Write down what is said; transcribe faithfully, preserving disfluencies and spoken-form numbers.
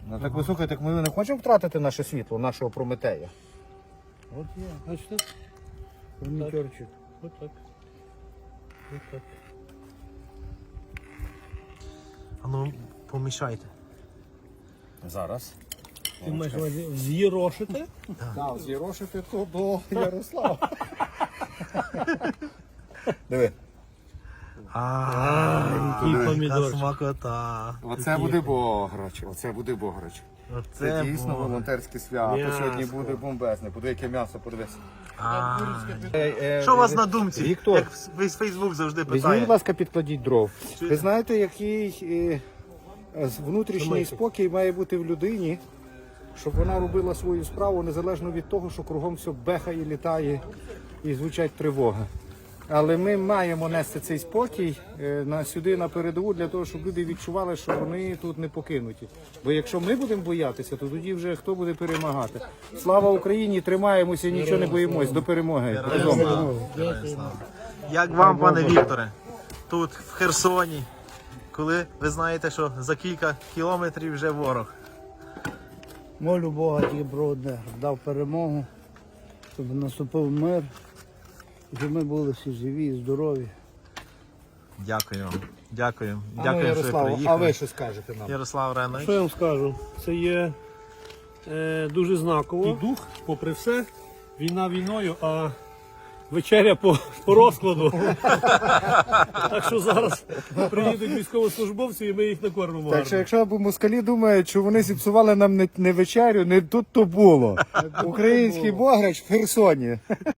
Ну так ви слухайте, ми не хочемо втратити наше світло, нашого Прометея. От є, бачите? Промітерчик. От так. От так. А ну, помішайте. Зараз. Ти маєш на увазі з'їрошити? Так, зірошити то до Ярослава. Диви. А, який яка помідорчик. смакота. Оце буде бограч, оце буде бограч. Це Оце дійсно було. волонтерське свято. М'ясо. Сьогодні буде бомбезне. Подивись, яке м'ясо, подивись. А. Е, Що у вас на думці? Віктор, Як весь Фейсбук завжди візьміть, питає. будь ласка, підкладіть дров. Чуєте? Ви знаєте, який е, е, внутрішній спокій має бути в людині, щоб вона робила свою справу незалежно від того, що кругом все бехає, літає і звучать тривоги. Але ми маємо нести цей спокій е, на сюди на передову для того, щоб люди відчували, що вони тут не покинуті. Бо якщо ми будемо боятися, то тоді вже хто буде перемагати. Слава Україні! Тримаємося, нічого не боїмось. До перемоги. Разом. Героям слава. Як вам, пане Вікторе, тут в Херсоні, коли ви знаєте, що за кілька кілометрів вже ворог? Молю Бога тільки про одне, дав перемогу, щоб наступив мир, і щоб ми були всі живі і здорові. Дякую вам. Дякую. А ну, Дякую, що ви Ярослав, а приїхали. ви що скажете нам? Ярослав Ренович. Що я вам скажу? Це є е, дуже знаково. І дух, попри все, війна війною, а вечеря по, по розкладу. Так що зараз приїдуть військовослужбовці і ми їх накормимо. Так що гарно. якщо москалі думають, що вони зіпсували нам не, не вечерю, не тут то було. Український бограч в Херсоні.